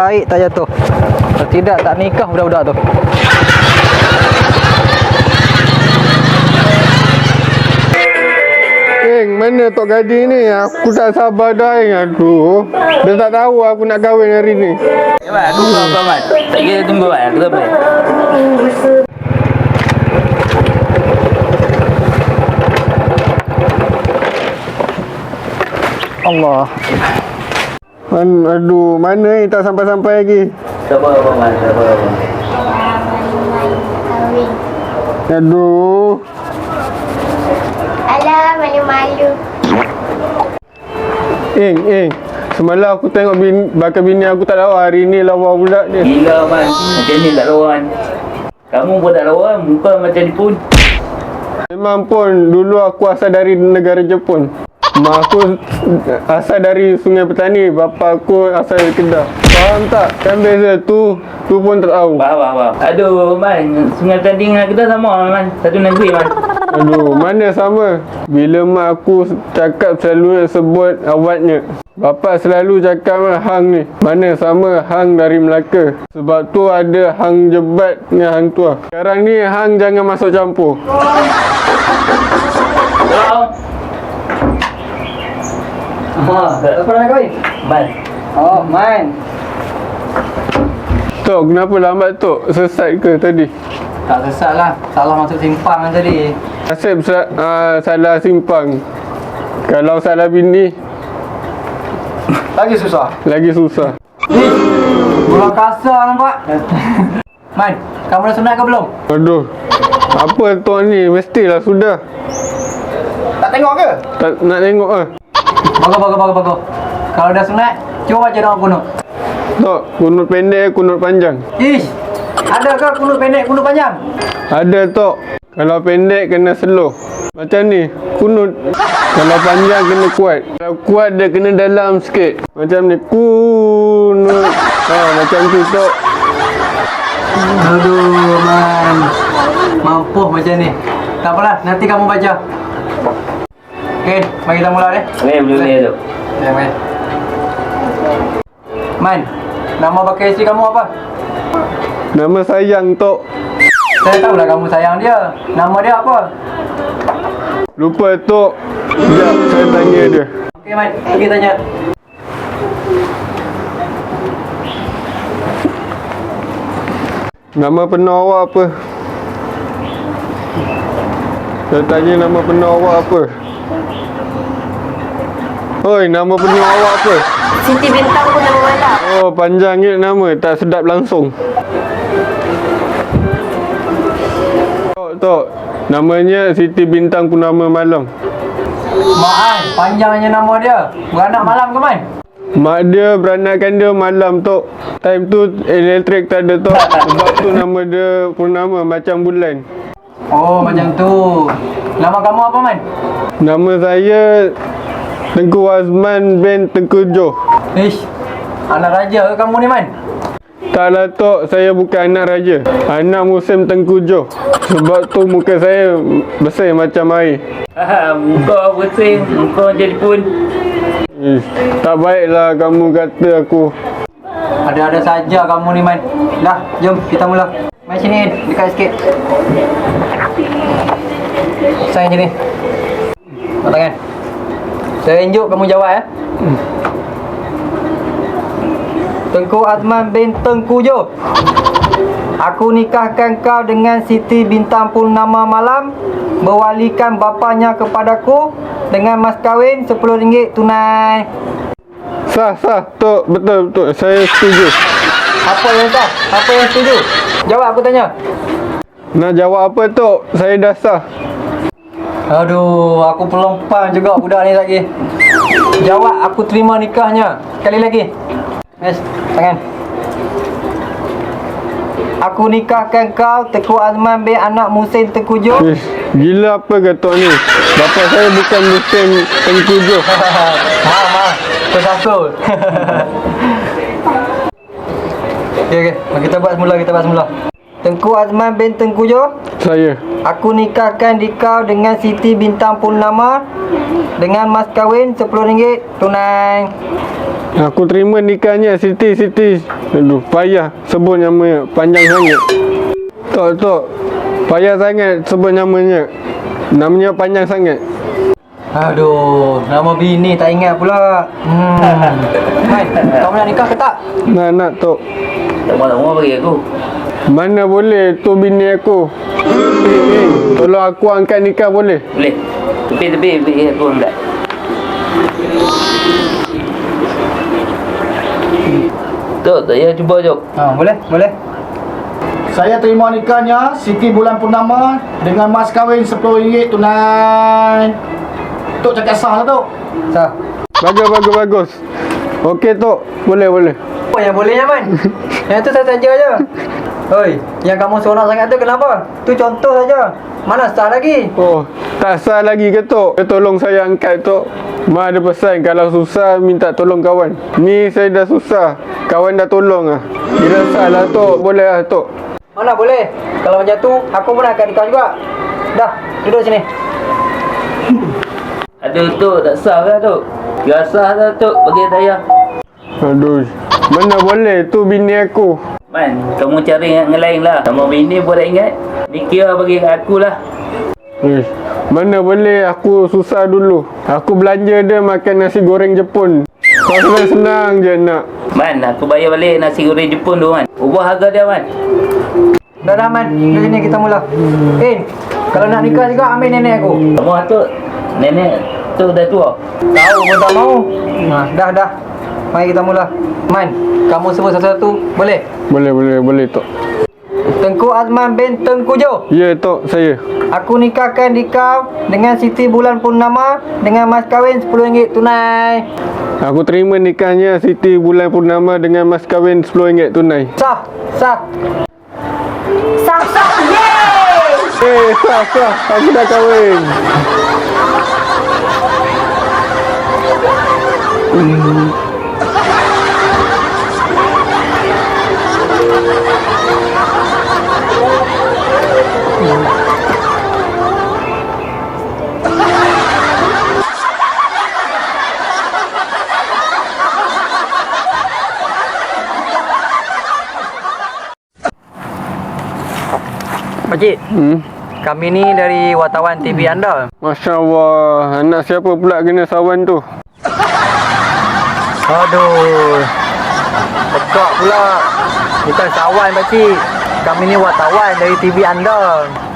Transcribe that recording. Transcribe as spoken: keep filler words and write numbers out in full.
baik tak jatuh. Kalau tidak tak nikah budak-budak tu. Eng, mana Tok Gading ni? Aku tak sabar dah, Eng. Aduh. Dia tak tahu aku nak kahwin hari ni. Ya, Mat. Aku tahu kau, Mat. Tak kira tunggu, Mat. Aku tak boleh. Allah. Man, aduh, mana ni tak sampai-sampai lagi. Sabar, abang, Mat. Sabar, abang. Aduh. Alah, malu-malu. Eng, Eng. Semalam aku tengok bin, bakal bini aku tak lawa. Hari ni lawa pula dia. Gila, Mat. Macam ni tak lawan. Kamu pun tak lawan. Muka macam ni pun. Memang pun, dulu aku asal dari negara Jepun. Mak aku asal dari Sungai Petani. Bapa aku asal dari Kedah. Faham tak? Kan beza tu. Tu pun tak tahu. Faham, faham, faham. Aduh, Man. Sungai Petani dengan kita sama, Man. Satu negeri, Man. Aduh, mana sama? Bila mak aku cakap selalu sebut awatnya. Bapa selalu cakap hang ni. Mana sama hang dari Melaka. Sebab tu ada hang jebat dengan hang tua. Sekarang ni hang jangan masuk campur. Hello. Ha, apa nak kahwin? Man. Oh, Man. Tok, kenapa lambat Tok? Sesat ke tadi? Tak sesat lah. Salah masuk simpang kan tadi. Nasib uh, salah simpang. Kalau salah bini, Lagi susah. lagi susah. Bulan kasar nampak. Man, kamu dah sunat ke belum? Aduh. Apa Tok ni? Mestilah sudah. Tak tengok ke? Tak nak tengok ah. Bagus, bagus, bagus, bagus. Kalau dah sunat, cuba baca doa kunut. Tok, kunut pendek, kunut panjang. Ish, ada ke kunut pendek, kunut panjang? Ada Tok. Kalau pendek kena slow. Macam ni, kunut. Kalau panjang kena kuat. Kalau kuat dia kena dalam sikit. Macam ni, kunut. Ha, macam tu Tok. Aduh, Man. Mampu macam ni. Tak apalah, nanti kamu baca. Okey, mari kita mula deh. Okey, boleh-boleh tu. Ya, Man. Man, nama bakal isteri kamu apa? Nama sayang Tok. Saya tahulah kamu sayang dia. Nama dia apa? Lupa Tok. Sekejap, saya tanya dia. Okey, Man. Pergi tanya. Nama penuh awak apa? Saya tanya nama penuh awak apa? Oi, nama penuh awak apa? Siti Bintang pun nama malam. Oh, panjangnya nama. Tak sedap langsung. Tok, Tok. Namanya Siti Bintang Purnama Malam. Mak An, panjangnya nama dia. Beranak malam ke, Man? Mak dia beranakkan dia malam Tok. Time tu elektrik tak ada Tok. Sebab tu nama dia Purnama macam bulan. Oh, macam tu. Nama kamu apa, Man? Nama saya Tengku Azman bin Tengku Joh. Ish, anak raja ke kamu ni, Man? Taklah Tok, saya bukan anak raja. Anak musim Tengku Joh. Sebab tu muka saya bersih macam air. Ha, muka bersih, muka jadi pun. Ish, tak baiklah kamu kata aku. Ada-ada saja kamu ni, Man. Dah, jom kita mula. Mai sini, dekat sikit. Saya sini. Angkat tangan. Saya tunjuk kamu jawab ya. Hmm. Tengku Azman bin Tengku Joh. Aku nikahkan kau dengan Siti Bintang Purnama Malam, berwalikan bapanya kepadaku dengan mas kahwin sepuluh ringgit tunai. Sah, sah Tok, betul, betul. Saya setuju. Apa yang sah? Apa yang setuju? Jawab aku tanya. Nak jawab apa Tok? Saya dah sah. Aduh, aku pelompang juga budak ni lagi. Jawab, aku terima nikahnya. Sekali lagi. Yes, tangan. Aku nikahkan kau, Tengku Azman bin anak Musin Tengku Joh. Ish, gila apa ke Tok ni? Bapa saya bukan musim Tengku Joh. Maaf, maaf. Tersangkul. Okey, okey. Mari kita buat semula, kita buat semula. Tengku Azman bin Tengku Joh. Saya. Aku nikahkan dikau dengan Siti Bintang Purnama dengan mas kahwin sepuluh ringgit tunai. Aku terima nikahnya Siti Siti. Aduh, payah sebut namanya, panjang sangat. Tok tok. Payah sangat sebut namanya. Namanya panjang sangat. Aduh, nama bini tak ingat pula. Hmm. Man, kau nak nikah ke tak? Nak nak tok. Tak mahu bagi aku. Mana boleh tu bini aku. Eh, eh, tolong aku angkat nikah boleh? Boleh. Tepi-tepi bagi aku angkat. Tok, tak payah cuba jom. Ha, boleh, boleh. Saya terima nikahnya Siti Bulan Purnama dengan mas kahwin sepuluh ringgit tunai. Tok cakap sah lah Tok. Sah. Bagus bagus bagus. Okey tok, boleh boleh. Apa yang bolehnya, Man? Yang tu saja je. Oi, yang kamu seronok sangat tu kenapa? Tu contoh saja. Mana sah lagi? Oh, tak sah lagi ke tok? Eh, tolong saya angkat tok. Mak ada pesan kalau susah minta tolong kawan. Ni saya dah susah, kawan dah tolong ah. Kira sah lah tok, boleh lah tok. Mana boleh? Kalau macam tu, aku pun akan nikah juga. Dah, duduk sini. Aduh Tok, tak sah lah Tok. Gak sah lah Tok, bagi saya. Aduh, mana boleh tu bini aku. Man, kamu cari yang lain lah. Kamu bini pun tak ingat. Ni kira bagi kat aku lah. Eh, mana boleh aku susah dulu. Aku belanja dia makan nasi goreng Jepun. Kau senang-senang je nak. Man, aku bayar balik nasi goreng Jepun tu Man. Ubah harga dia Man. Dah dah, Man. Duduk sini kita mula. In, kalau nak nikah juga ambil nenek aku. Kamu Atuk, nenek tu dah tua. Tahu pun tak mau. Ha, dah dah. Mari kita mula. Man, kamu sebut satu-satu, boleh? Boleh boleh boleh tok. Tengku Azman bin Tengku Jo. Ya tok, saya. Aku nikahkan dikau dengan Siti Bulan Purnama dengan mas kahwin sepuluh ringgit tunai. Aku terima nikahnya Siti Bulan Purnama dengan mas kahwin sepuluh ringgit tunai. Sah, sah. Sah sah. Yeay. Eh, sah sah, aku dah kahwin. Pakcik, Hmm. kami ni dari wartawan T V anda. Masya Allah, anak siapa pula kena sawan tu? Aduh, pekak pula. Bukan sawan pakcik. Kami ni wartawan dari T V anda.